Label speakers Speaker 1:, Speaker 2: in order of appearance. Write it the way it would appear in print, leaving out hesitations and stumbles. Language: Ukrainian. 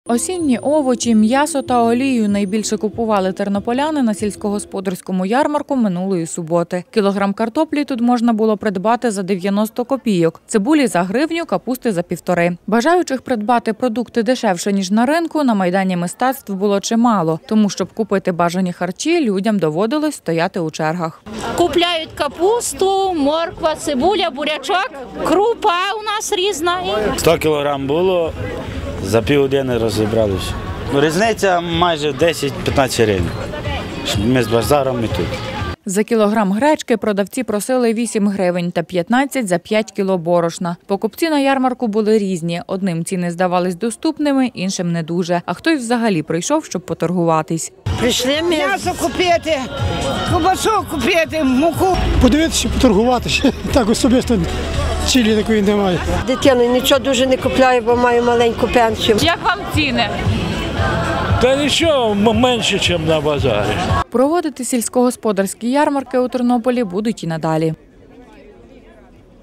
Speaker 1: Осінні овочі, м'ясо та олію найбільше купували тернополяни на сільськогосподарському ярмарку минулої суботи. Кілограм картоплі тут можна було придбати за 90 копійок, цибулі за гривню, капусти за 1,5. Бажаючих придбати продукти дешевше, ніж на ринку, на Майдані Мистецтв було чимало. Тому, щоб купити бажані харчі, людям доводилось стояти у чергах.
Speaker 2: Купляють капусту, морква, цибуля, бурячок, крупа у нас різна.
Speaker 3: 100 кілограм було, за півгодини розібралися. Різниця майже 10-15 гривень. Ми з базаром і тут.
Speaker 1: За кілограм гречки продавці просили 8 гривень та 15 за 5 кіло борошна. Покупці на ярмарку були різні. Одним ціни здавались доступними, іншим не дуже. А хтось взагалі прийшов, щоб поторгуватись.
Speaker 4: Прийшли м'ясо купити, ковбасу купити, муку.
Speaker 5: Подивитися, поторгуватися. Так особисто цілі такої немає.
Speaker 4: Дитину нічого дуже не купляю, бо маю маленьку пенсію.
Speaker 1: Як вам ціни?
Speaker 6: Та нічого менше, ніж на базарі.
Speaker 1: Проводити сільськогосподарські ярмарки у Тернополі будуть і надалі.